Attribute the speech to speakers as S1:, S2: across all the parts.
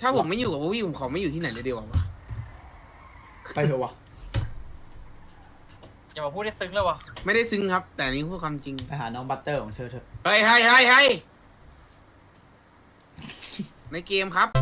S1: ถ้าผมไม่อยู่กับพวกพี่ผมขอไม่อยู่ที่ไหนเลยเดียววะ
S2: ไปเถอะวะ
S3: อย่ามาพูดได้ซึ้งเลยวะ
S1: ไม่ได้ซึ้งครับ แต่นี่พูดความจริง
S2: ไปหาน้องบัตเตอร์ของเธอเถอะ
S1: เฮ้ยในเกมครับ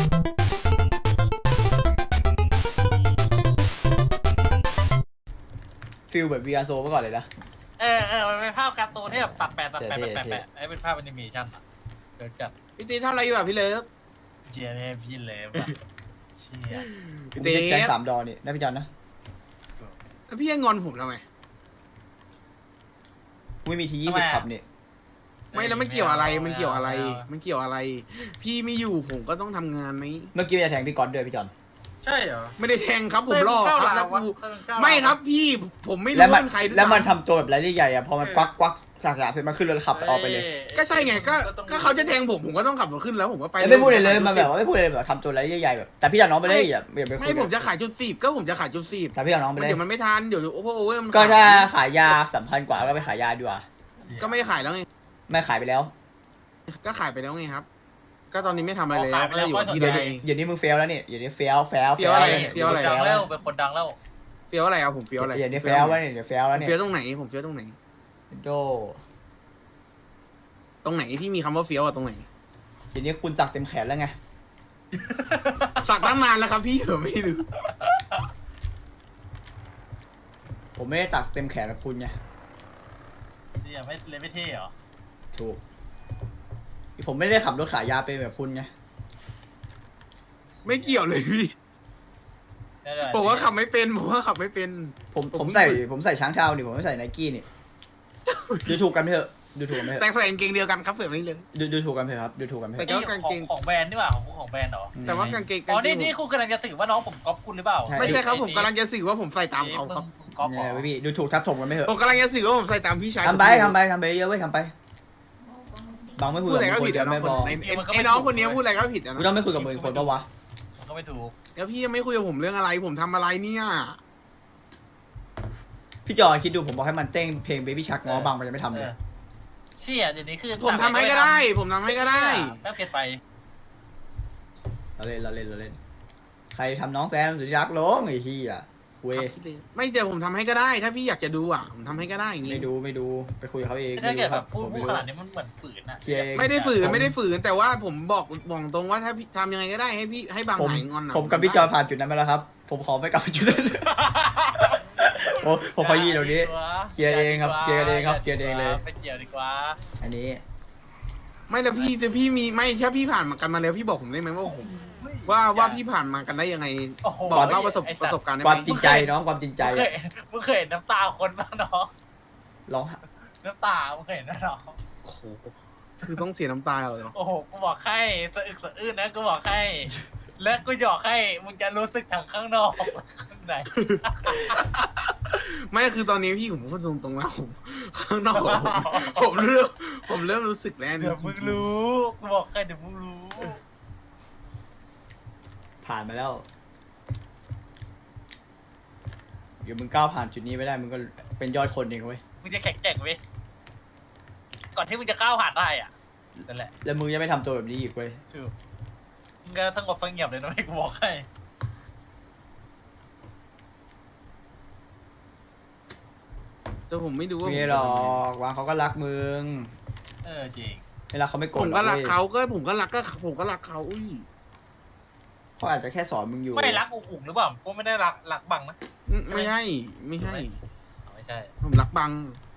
S2: ฟิลแบบ VR Show เมื่อก่อนเลยนะ
S3: มันเป็นภาพการ์ตูนที่แบบตัดแปะ
S2: เท่
S3: ไอ้เป็นภาพแอนิเมชั่นอะเกิดจัด
S1: พี่ตีทำอะไรอยู่อ่ะพี่เลิฟ
S3: เชียร์เนี่ยพี่เลฟอะเชียร์
S2: ผม
S1: พี่
S2: จะ
S1: ตี
S2: แกงสามดอนี่นะพี่จอนนะ
S1: แล้วพี่ยังงอนผมทำไม
S2: กูไม่มีที20ขับนี่
S1: ไม่แล้วมันเกี่ยวอะไรมันเกี่ยวอะไร มันเกี่ยวอะไร พี่ไม่อยู่ผมก็ต้องทำงานไหม
S2: เมื่อกี้จะแทงพี่ก๊อตด้วยพี่จอน
S3: ใช่เหรอ
S1: ไม่ได้แทงครับผมรอครับแล้วกู
S3: เต้นก้าว
S1: ไม่ครับพี่ผมไม่รู้
S2: แล้วมัน
S1: ว่าเป็นใครด้วย
S2: แล้วมันทำตัวแบบไรใหญ่ๆอ่ะพอมันควักจากเสร็จมันขึ้นรถขับออกไปเลย
S1: ก็ใช่ไงก็เขาจะแทงผมก็ต้องขับรถขึ้นแล้วผมก็ไป
S2: แล้วไม่พูดเลยมันแบบว่าไม่พูดเลยแบบทำตัวไรใหญ่ๆแบบแต่พี่จอนน้องไปเลยอย่าไปคุย
S1: ไม่ผมจะขายจุดสิบก็ผมจะขายจุดสิบ
S2: แต่พี่จอนน้องไปเลย
S1: เดี๋ยวมันไม่ทันเดี๋ยวโอเวอร์มัน
S2: ก็ถ้าขายยาสำคัญกว่าก็ไปขายยาดีกว่า
S1: ก็ไม่ขายแล้วไง
S2: ไม่ขายไปแล้ว
S1: ก็ขายไปแล้วไงครับ ก็ตอนนี้ไม่ทำอะไรเลยก็อยู่ที่
S2: เดี๋ยว
S1: ใด
S2: เดี๋ยวนี้มึงเฟลแล้วนี่เดี๋ยวนี้เฟล
S1: เฟี้ยวอะไรเฟี้ยวอะไร
S3: ดังแล้วเป็นคนดังแล้ว
S1: เฟี้ยวอะไรเอาผมเฟี้ยวอะไร
S2: เดี๋ยวนี้เฟลแล้วนี่เดี๋ยวเฟลแล้วนี่
S1: เฟี้ยวตรงไหนผมเฟี้ยวตรงไหน
S2: โด
S1: ตรงไหนที่มีคำว่าเฟี้ยวอะตรงไหน
S2: เดี๋ยวนี้คุณสักเต็มแขนแล้วไง
S1: สักตั้งนานแล้วครับพี่เหรอไม่รู้
S2: ผมไม่ได้สักเต็มแขนกับคุณไง
S3: เชียร์ไม่เลยไม่เท่เหรอ
S2: ถูกผมไม่ได้ขับรถขายยาเป็นแบบคุณไง
S1: ไม่เกี่ยวเลยพี่ผมว่าขับไม่เป็น
S2: ผมใส่ช้างเท้านี่ผมไม่ใส่ไนกี้นี่ดูถูกกันเถอะดูถูกกันเถอะ
S1: แต่ใส่กางเกงเดียวกันครับเผื่อไม่เลย
S2: ดูถูกกันเถอะครับดูถูกกันเถ
S1: แต่
S2: อะ
S1: ก็กางเกง
S3: ของแบรนด์นี่หว่าของแบรนด์เหรอ
S1: แต่ว่ากางเกง
S3: อ๋อนี่คุณกำลังจะสื่อว่าน้องผมก๊อปคุณหรือเปล่า
S1: ไม่ใช่ครับผมกำลังจะสื่อว่าผมใส่ตามเขาครับ
S3: ก๊อปเหร
S2: เนี่ย
S3: อ
S2: พี่ดูถูกทับถมกันไม่เถอะ
S1: ผมกำลังจะสื่อว่าผมใส่ตามพี่ชาย
S2: ทำไปเยอะไว้ยทำไปบางไม่คุ
S1: พู
S2: ย
S1: ด
S2: กับ
S1: อะไร
S2: มึงคน
S1: ก็ผิด
S2: เดียว
S1: นะ
S2: ไม่พอ
S1: ไอ้น้องคนนี้พูดอะไรก็ผิดนะ
S2: กูต้องไม่คุยกับมึงคนปะวะ
S3: มันก็ไม่ถูก
S1: แล้วพี่ยังไม่คุยกับผมเรื่องอะไรผมทำอะไรเนี่ย
S2: พี่จอนคิดดูผมบอกให้มันเต้นเพลง Baby Shark ง้อบางมันยังไม่ทำเลย
S3: เชี่ยเดี๋ยวนี้คือ
S1: ผมทำให้ก็ได้ ผมทำให้ก็ได้
S3: แป๊บเกินไป
S2: เราเล่นใครทำน้องแซมสุดที่รักลงไอ้เหี้ยคุย
S1: ไม่เดี๋ยวผมทำให้ก็ได้ ถ้าพี่อยากจะดูอ่ะผมทำให้ก็ได้อย่างงี้
S2: ไม่ดูไปคุยกับเขาเอง
S3: ถ้าเกิดแบบ
S2: ผม
S3: พูด
S2: ไม่
S3: ข
S2: รู้
S3: นาดนี้มันเหมือนฝืนอะ
S2: เคลียร์เอง
S1: ไม่ได้ฝืนแต่ว่าผมบอกตรงว่าถ้าพี่ทำยังไงก็ได้ให้พี่ให้บาง
S2: ผม
S1: หายงอนอ่ะ
S2: ผมกับพี่จอนผ่านจุดนั้นมาแล้วครับ ผมขอไม่กลับไปจุดนั้น ผมขอยี่ตรงนี้ เคลียร์เองครับเคลียร์เองครับเคลียร์เองเลย
S3: ไม่เกี่ยวดีกว่า
S2: อันนี้
S1: ไม่แล้วพี่แต่พี่มีไม่ถ้าพี่ผ่านมากันมาแล้วพี่บอกผมได้ไหมว่าผมว่าพี่ผ่านมากันได้ยังไง
S3: โอ้โห
S1: บอกเล่าประสบการณ์ได้
S2: ความ
S1: ไหม
S2: จริงใจน้องความจริงใจ
S3: มึงเคยเห็นน้ำตาคนบ้างน้อง
S2: ร้อง
S3: น้ำตามึงเคยเห็นนะน้อง
S1: โอ้โหคือต้องเสียน้ำตาเลยเหรอ
S3: โอ้โหกูบอกให้สะอึกสะอื้นนะกูบอกให้และกูหยอกให้มึงจะรู้สึกทางข้างนอกข้างใน
S1: ไม่คือตอนนี้พี่ผมพูดตรงๆแล้วผมข้างนอกผมเริ่มรู้สึกแล้ว
S3: เดี๋ยวมึงรู้กูบอกให้เดี๋ยวมึงรู้
S2: ผ่านมาแล้วเดี๋ยวมึงก้าวผ่านจุดนี้ไปได้มึงก็เป็นยอดคนเองเว้ย
S3: มึงจะแข็งแกร่งเว้ยก่อนที่มึงจะก้าวผ่านได้อ่ะนั่นแหละ
S2: แล้วมึงจะไม่ทำตัวแบบนี้อีกเว้ย
S3: ถูกมึงก็สงบเสงี่ยมเลยนะไอ้กูบอกให้
S1: แต่ผมไม่ดูว่า
S2: ไม่หรอกวางเขาก็รักมึง
S3: จริง
S2: ไม่รักเขาไม่โกร
S1: ผ
S2: ธ
S1: ม
S2: หร
S1: ก็
S2: อก
S1: รัก
S2: เว้ย
S1: เขาผมก็รักเขาอุ้ย
S2: เขาอาจจะแค่สอนมึงอยู่
S3: ไม่รักอุ๋งหรือเปล่ากูไม่ได้รักบังนะ
S1: ไม่ให้
S3: ไม่ใช่
S1: ผมรักบัง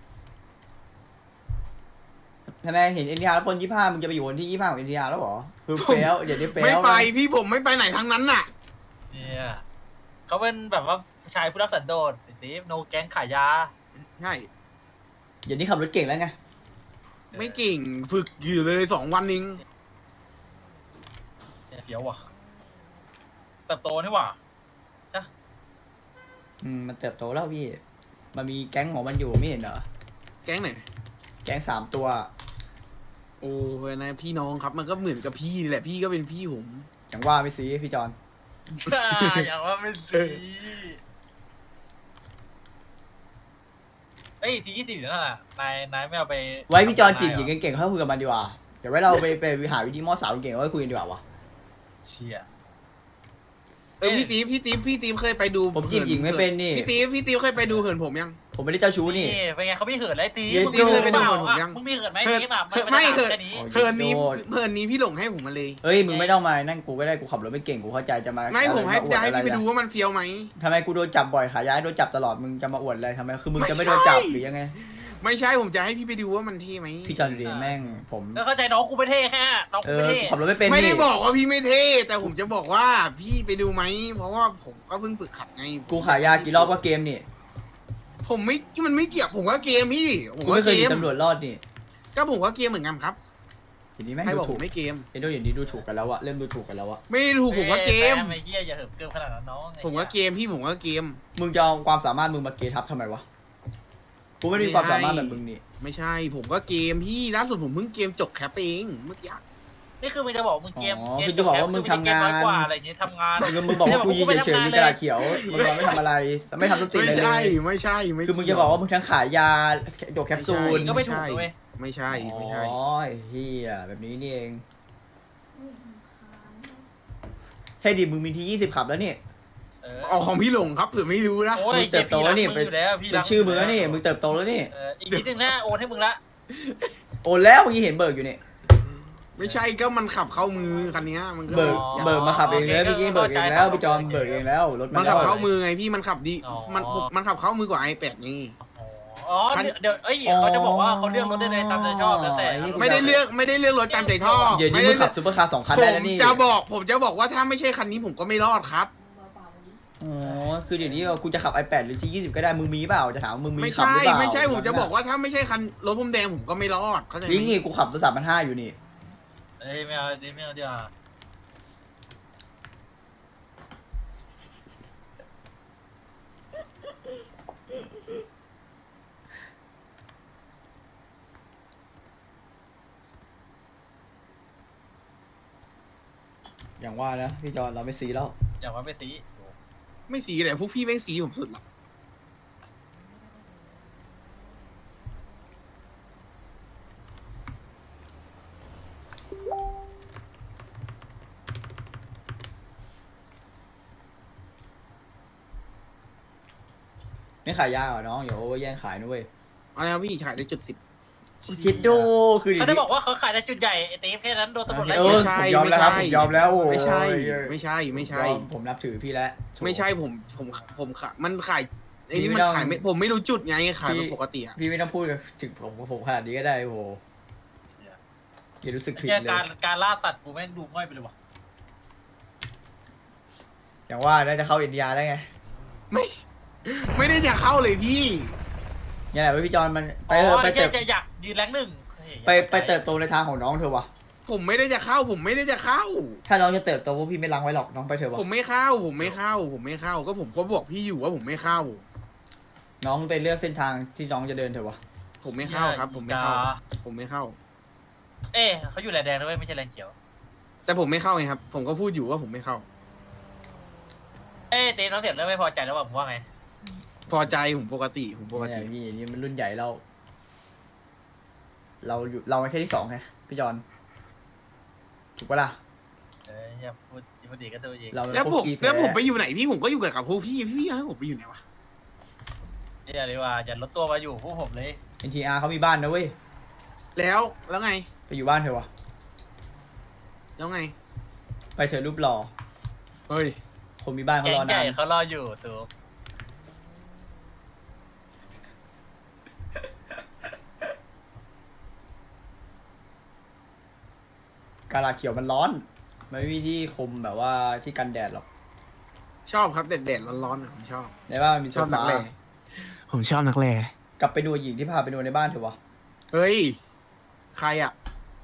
S2: ทำไมเห็นเอ็นทีอาร์คน25มึงจะไปอยู่คนที่25ของเอ็นทีอาร์แล้วเหรอคือเฟลเดี๋ยวนี้เฟล
S1: ไม่ไปพี่ผมไม่ไปไหนทั้งนั้นน่ะ
S3: เชี่ยเขาเป็นแบบว่าชายผู้รักสันโดษไอ้ตีฟโนแก๊งขายยา
S1: ใช่
S2: เดี๋ยวนี้ขับรถเก่งแล้วไง
S1: ไม่เก่งฝึกอยู่เลย2 วันเอง
S3: เฟี้ยวว่ะเติบโตนี่หว่า
S2: มันเติบโตแล้วพี่ มันมีแก๊งของมันอยู่ไม่เห็นเหรอ
S1: แก๊งไหน
S2: แก๊ง3 ตัว
S1: โอ้ยนะพี่น้องครับมันก็เหมือนกับพี่นี่แหละพี่ก็เป็นพี่ผม
S2: อย่างว่าไม่ซีพี่จอน
S3: อย่างว่าไม่สีเอ้ยที20นั่นน่ะนายไม่เอาไป
S2: ไว้พี่จอนจีบหญิงเก่งๆเขาคุยกับมันดีกว่า เดี๋ยวไว้เราไปหาวิธีมอสาวเก่งๆเอาไว้คุยกันดีกว่าวะ
S3: เชชี่ย
S1: พี่ตีฟเคยไปดู
S2: ผมจีบหญิงไม่เป็นนี่
S1: พี่ตีฟเคยไปดูเหินผมยัง
S2: ผมไม่ได้เจ้าชู้นี่
S3: เป็นไงเขาไม่เหินไรตี
S2: เย็น
S3: มึง
S2: โด
S3: มีเหิน
S1: ไปดู
S3: เปล่า
S1: ผมยัง
S3: มึงมีเหินไหม
S1: เหิน
S3: ตีแบบ
S1: ไม่เหิน
S3: แค่นี้
S2: โอ้ย
S1: เหินนี้
S2: โดด
S1: เหินนี้พี่หลงให้ผมมาเลย
S2: เอ้ยมึงไม่ต้องมานั่นกูก็ได้กูขับรถไม่เก่งกูเข้าใจจะมา
S1: ไม่ผมให้
S2: อว
S1: จะให้
S2: อะไร
S1: พี่ไปดูว่ามันเฟี้ยวไหม
S2: ทำไมกูโดนจับบ่อยขาย้ายโดนจับตลอดมึงจะมาอวดอะไรทำไมคือมึงจะไม่โดนจับหรือยังไง
S1: ไม่ใช่ผมจะให้พี่ไปดูว่ามันเท่ไหม
S2: พี่จอนดีแม่งผม
S3: ก็เข้าใจน้องกูไม่เท่แค่น้อง
S2: เอ
S3: กูไม่
S2: อ
S3: เท่
S2: ขับรถไม่เป็น
S1: ไม่ได้
S2: นี่
S1: บอกว่าพี่ไม่เท่แต่ผมจะบอกว่าพี่ไปดูไหมเพราะว่าผมก็เพิ่งฝึกขับไง
S2: กูขายยากี่รอบก็เกมนี่
S1: ผมไม่มันไม่เกี่ยวผมก็เกมพี่ผม
S2: กู
S1: ก็
S2: ไม่เค
S1: เก
S2: ยหนี
S1: ม
S2: ตำรวจรอดนี่
S1: ก็ผมก็เกมเหมือนกันครับ
S2: ทีนี้แม่ง
S1: ใคร
S2: ดู
S1: บอกผ
S2: ถูก
S1: มไม่เกม
S2: เอ็นโดอย่างนี้ดูถูกกันแล้วอะเริ่มดูถูกกันแล้วอะ
S1: ไม่ได้ถูกผมก็เกม
S3: ไอ้เหี้ยอย่าเหิมเกินขนาดนั้นน้อง
S1: ผมก็เกมพี่ผมก็เกม
S2: มึงจะเอาความสามารถมึงมาเกทับทำไมวะกูไม่ได้มีความสามารถแบบมึงนี่
S1: ไม่ใช่ ผมก็เกมพี่ล่าสุดผมเพิ่งเกมจบแคปเองเมื่อกี้
S3: นี่คือมึงจะบอกมึงเกม
S2: อ๋อคือจะบอกว่ามึงทำงาน
S3: น้อยกว่าอะไรอย่างงี้ทำงาน
S2: มึงบอกว่ากูยืนเฉยๆมีกระดาษเขียวมึงบอกไม่ทำอะไรไม่ทำสติ
S1: ไม่
S2: อะไรเล
S1: ใช่
S2: ย
S1: ไม่ใช่ไม่
S2: คือมึงจะบอกว่ามึงทั้งขายยาดกแคปซูล
S3: ก็ไม่ถูกเลยเว้ย
S1: ไม่ใช่ไม่ใช่
S2: อ๋อเฮียแบบนี้นี่เองใช่ดิมึงมีที20ขับแล้วนี่
S1: เอาของพี่หลงครับเผื่อไม่รู้นะ
S3: โอ้ย
S2: มึงเติบโตแล้วนี่
S3: พี่รักมึงอยู่แล้วพี่
S2: เป็
S3: รั
S2: น
S3: ก
S2: ชื่อมึงแล้วนี่มึงเติบโตแล้วนี่
S3: อีกนิดนึงนะโอนให้มึงละ
S2: โอนแล้วเมื่อกี้เห็นเบิกอยู่นี่
S1: ไม่ใช่ก็มันขับเข้ามือคันเนี้ยมันก็
S2: เบิกมาขับเองเลยเมื่อกี้เบิกเองแล้วพี่จอมเบิกเองแล้วรถ
S1: มั
S2: มัน น
S1: ขับ
S2: แล้ว
S1: เข้ามือไงพี่มันขับดีมันขับเข้ามือกว่า iPad นี่
S3: อ๋อเดี๋ยวเอ้ยเขาจะบอกว่าเขาเลือกรถได้เลยตามใจชอบแล้วแต่
S1: ไม่ได้เลือกรถตามใจชอบ
S2: เดี๋ยวนี้
S1: ไม่
S2: มึ
S1: ได้
S2: งขับซูเปอร์คาร์2 คัน
S1: ผ
S2: ได้
S1: ม
S2: แล้วนี่
S1: ผมจะบอกว่าถ้าไม่ใช่คันนี้ผมก็ไม่รอดครับ
S2: อ๋อคือเดี๋ยวนี้กูจะขับ iPad หรือที่20ก็ได้มึงมีเปล่าจะถามว่ามึงมี
S1: ไม่
S2: ขับ
S1: ใช่
S2: หรือเปล่า
S1: ไม่ใช่ผมจะบอกว่าถ้าไม่ใช่คันรถผมแดงผมก็ไม่รอดเข้าใจไหม
S2: ลิงนี่กูขับรถ3,500อยู่นี่
S3: เอ้ยไม่เอาไม่เอาดีกว่า
S2: อย่างว่านะพี่จอนเราไม่ซีแล้ว
S3: อย่าว่าไปตี
S1: ไม่สีเลยพวกพี่แม่งสีผมสุดหรอก
S2: ไม่ขายยาเหรอน้องอย่าโอเวอร์แย่งขายนะเว้ย
S1: อะไรครับพี่ขายได้จุด
S2: คิดดูคือ
S3: เขาได้บอกว่าเขาขายแต่จุดใหญ่ไอ้ตีแค่นั้นโดนตำรวจไล่
S2: เออผมยอมแล้วครับผมยอมแล้วโอ้ย
S1: ไม่ใช่ไม่ใช่ไม่ใช่
S2: ผมนับถือพี่แล้ว
S1: ไม่ใช่ผมขายมันขายไอ้นี่
S2: พี่ไม่
S1: มัน
S2: ต้อง
S1: ขายไม่ผมไม่รู้จุดไงขายแบบปกติอะ
S2: พี่ไม่ต้องพูดกับถึงผมขนาดนี้ก็ได้โอ้โหอย่ารู้สึกผิด
S3: แค่
S2: เลย
S3: การล่าตัดกูแม่งดูง่อยไปเลยว่ะ
S2: อย่างว่าน่าจะเข้าอินเดียแล้วไง
S1: ไม่ได้จะเข้าเลยพี่
S2: เนี่ยแหละพี่จอนมันไป
S3: อ๋
S2: เถ
S3: อ
S2: อะไป
S3: ไอ้
S2: เติ
S3: เหี้ย
S2: บ
S3: จะอยากยืนแรงหนึ่ง
S2: ไปเติบโตในทางของน้องเธอวะ
S1: ผมไม่ได้จะเข้า ผมไม่ได้จะเข้า
S2: ถ้าน้องจะเติบโตพวกพี่ไม่ล้างไว้หรอกน้องไปเถอะวะ
S1: ผมไม่เข้าก็ผมก็บอกพี่อยู่ว่าผมไม่เข้า
S2: น้องไปเลือกเส้นทางที่น้องจะเดินเถอะวะ
S1: ผมไม่เข้าครับ ผมไม่เข้า ผมไม่เข้า
S3: เอ๊ะเขาอยู่แลนแดงด้วยไม่ใช่แลนเขียว
S1: แต่ผมไม่เข้าไงครับ ผมก็พูดอยู่ว่าผมไม่เข้า
S3: เอ๊ะตีน้องเสียบเริ่มไม่พอใจแล้วว่าผมว่าไง
S1: พอใจผมปกติ
S2: เนี่ยพี่นี่มันรุ่นใหญ่เราอยู่เราแค่ที่2ไงพี่จอนถูกปะล่ะ
S3: อย่าพูดดีก็ตัวเอง
S2: เรา
S1: แล้วผม
S2: พกขี้
S1: แล้วผม
S2: พ้
S1: ไปอยู่ไหนพี่ผมก็อยู่กับพวกพี่ให้ผมไปอยู่ไหนวะ
S3: อย่าเลยว่าอย่าลดตัวมาอยู่พวกผมเลย
S2: NTR เขามีบ้านนะเว้ย
S1: แล้วไง
S2: ไปอยู่บ้านเถอะวะ
S1: แล้วไง
S2: ไปเถอะรูปหล่อ
S1: เฮ้ย
S2: คนมีบ้านเขา
S3: แก๊
S2: รง อ
S3: ให
S2: นา
S3: ญ่
S2: น
S3: เขารออยู่ตัว
S2: กาลาเขียวมันร้อนมันไม่มีที่คมแบบว่าที่กันแดดหรอก
S1: ชอบครับแดดร้อนๆผมชอบ
S2: ในบ้านมันมี
S1: ช
S2: โซ
S1: อบนัก
S2: ฟา
S1: แร่ผมชอบนักแร่
S2: กลับไปดูหญิงที่พาไปดูในบ้านเถอะวะ
S1: เฮ้ย ใครอ่ะ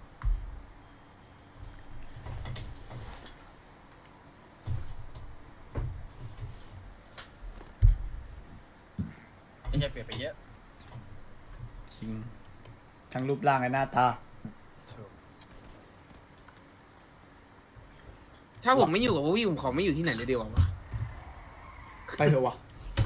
S3: จะเปลี่ยนไปเยอะ
S2: จริงทั้งรูปร่างและหน้าตา
S1: ถ้าผมไม่อยู่กับพวกพี่ผมขอไม่อยู่ที่ไหนเลยเดียววะ
S2: ไปเถอะวะ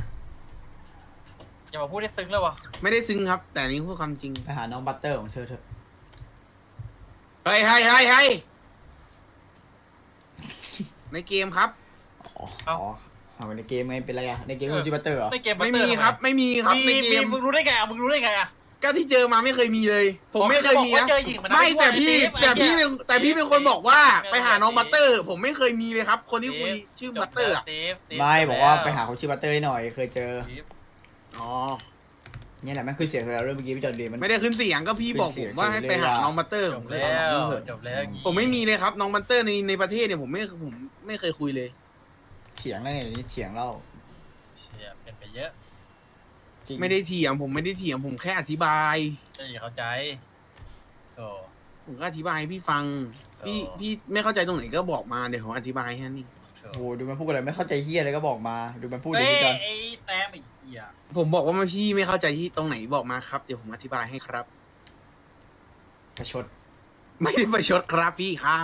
S3: อย่ามาพูดได้ซึ้งแล้ววะ
S1: ไม่ได้ซึ้งครับ แต่อันนี้พูดความจริง
S2: ไปหาน้องบัตเตอร์ของเธอเถอะ
S1: เฮ้ยในเกมครับ
S2: อ๋อเอาในเกมไงเป็นไรอะในเกมคือจิบัตเตอร์เหรอ
S3: ไม่เกม
S1: ไม่มีครับ ไม่มีครับในเกม
S3: มึงรู้ได้ไงอ่ะมึงรู้ได้ไงอ่ะ
S1: ก็ที่เจอมาไม่เคยมีเลย ผมไม่เคยมี
S3: บอกว่า
S1: นะ
S3: เจอหญิงมานะ
S1: ไม่แต่
S3: ไอ้
S1: พี่
S3: เซฟ
S1: แต่พี่
S3: ไอ้
S1: เป็นแต่พี่เป็นคนบอกว่าไปหาน้องบัตเตอร์ ผมไม่เคยมีเลยครับ คนที่คุยชื่อบัตเตอร์อะ
S2: ไม่บอกว่าไปหาคนชื่อบัตเตอร์ให้หน่อยเคยเจอ
S1: อ๋อ
S2: เนี่ยแหละมันคือเสียงเรื่องเมื่อกี้พี่จอดเรียนมัน
S1: ไม่ได้ขึ้นเสียงก็พี่บอกผมว่าให้ไปหาน้องบัตเตอร์
S3: จ
S1: ผ
S3: บ
S1: มเลย
S3: แล้
S1: เอา
S3: ว
S1: เถอะ
S3: จบแล้ว
S1: ผมไม่มีเลยครับน้องบัตเตอร์ในประเทศเนี่ยผมไม่เคยคุยเลย
S2: เถียงอะไรเนี่ยนี่เถียงเล่า
S3: เชี่ยเป็นไปเยอะ
S2: จริง
S1: ไม่ได้เถียงผมไม่ได้เถียงผมแค่อธิบาย
S3: จะอย่าเข้าใจโธ่
S1: ผมก็อธิบายให้พี่ฟัง พี่
S3: อ๋อ
S1: พี่ไม่เข้าใจตรงไหนก็บอกมาเดี๋ยวผมอธิบายให้นี่
S3: โธ่
S2: โอ้โหดูมันพูดอะไรไม่เข้าใจเฮียอะไรก็บอกมาดูมันพูด
S3: เฮ้
S2: ดิ
S3: ย
S2: พี่จอน
S3: ไอ้แต้มไอ้เหี้ย
S1: ผมบอกว่าพี่ไม่เข้าใจที่ตรงไหนบอกมาครับ เดี๋ยวผมอธิบายให้ครับ
S2: ประชด
S1: ไม่ได้ประชดครับพี่ครับ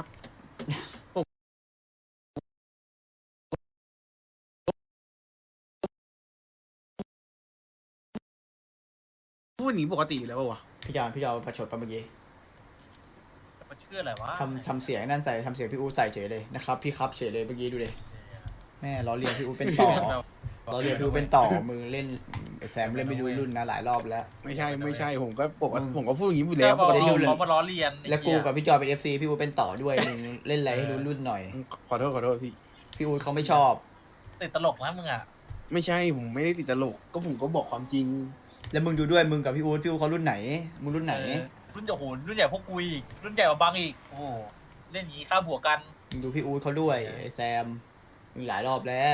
S1: พูดอย่างนี้ปกติอยู่แล้วปะวะ
S2: พี่จอนประชดปะเมื่อกี้
S3: มันชื่ออะไรวะ
S2: ทำเสียงนั่นใส่ทำเสียงพี่อู๋ใส่เฉยเลยนะครับพี่ครับเฉยเลยเมื่อกี้ดูเลยแม่ล้อเลียนพี่อู๋เป็นต่อล้อเลียนพี่อู๋เป็นต่อมือเล่นไอ้แซมเล่นไม่ดูรุ่นนะหลายรอบแล้ว
S1: ไม่ใช่ผมก็ปกติผมก็พูดอย่างนี้อยู่
S3: แล้
S1: แล้ว ว
S3: บ
S1: ป
S3: อก
S1: กติอยู่เลย
S3: เขามาล้อเลียนไอ้
S2: แล้วกู
S3: เหี้ย
S2: กับพี่จอยเป็น FC พี่อู๋เป็นต่อด้วยมึงเล่นอะไรให้รู้รุ่นหน่อย
S1: ขอโทษพี่
S2: พี่อู๋เขาไม่ชอบ
S3: ติดตลกนะมึงอ่ะ
S1: ไม่ใช่ผมไม่ได้ติดตลกก็ผมก็บอกความจริง
S2: แล้วมึงดูด้วยมึงกับพี่อู๋เขารุ่นไหนมึงรุ่นไหน
S3: รุ่นใหญ่โหรุ่นใหญ่พวกกูอีกรุ่นใหญ่กว่าบังอีกโอ้โหเล่นอย่างนี้ค่าบวกกัน
S2: มึงดูพี่อู๋เขาด้วยไอ้แซมมึงหลายรอบแล้ว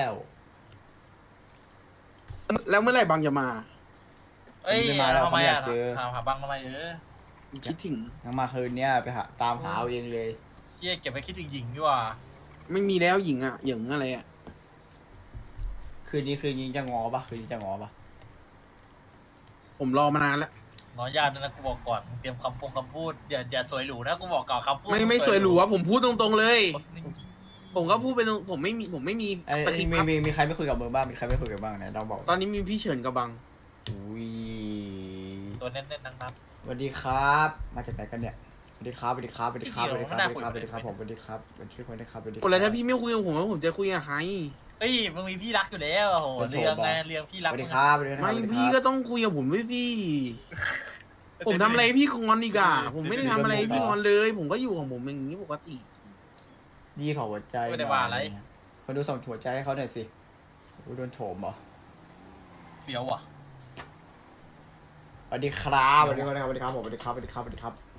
S1: แล้วเมื่อไหร่บางจะมา
S3: เอ้ย
S2: ไม่มาแล้ว
S3: ทำไม
S2: เขาอยา
S3: อ่ะ
S2: กเจอ
S3: ถามหาบังทำไม
S1: คิดถึง
S2: ยังมาคืนเนี้ยไปหาตามหาเอาเองเลย
S3: เฮียเก็บไปคิดถึงหญิงดีกว่า
S1: ไม่มีแล้วหญิงอ่ะหญิงอะไรอ่ะ
S2: คืนนี้จะงอปะคืนนี้จะงอปะ
S1: ผมรอมานานแล้ว
S3: น้อยญาติด้วยนะกูบอกก่อนมึงเตรียมคำพูดอย่าสวยหรูนะกูบอกก่อนคำพูด
S1: ไม่สวยหรูอะผมพูดตรงๆเลย
S3: นี่
S1: ผมก็พูดไปตรงผมไม่มี
S2: ไอ้
S1: สคริปต์ครับ
S2: มีใครไม่คุยกับมึงบ้างมีใครไม่คุยกับบ้างเนี่ยเราบอก
S1: ตอนนี้มีพี่เฉินกับบัง
S2: อุ้ย
S3: ตัวเน้นๆทั้งนั้น
S2: สวัสดีครับ มาจากไหนกันเนี่ยสวัสดีครับสวัสดีครับสวัสดีครับสวัสดีครับสวัสดีครับผมสวัสดีครับสวัสดีครับสวัสดีครับ
S1: คนแล้วถ้าพี่ไม่คุยกับผมแล้วผมจะคุยกับใคร
S3: เฮ้ยมึงมีพี่รักอยู่แล้วโอ้โหเรื่องไงเรื่องพี่
S2: ส
S3: รัก
S2: วัสดีครับสวัสดีครับ
S1: ไม่
S2: สวัสดีครับ
S1: พี่ก็ต้องคุยกับผมด้วยสิผมทำอะไรให้พี่งอนอีกอะผมไม่ได้ทำอะไรให้พี่งอนเลย ผมก็อยู่ของผมอย่างนี้ปกติ
S2: ดีขอหัวใจ
S3: ไม่ได้ว่าอะไร
S2: คนดูส่งหัวใจให้เขาหน่อยสิโดนโถมเหรอ
S3: เฟี้ยวว่ะ
S2: สวัสดีครับสวัสดีครับสวัสดีครับผมสวัสดีครับสวัสดีครับสวัสดีครับ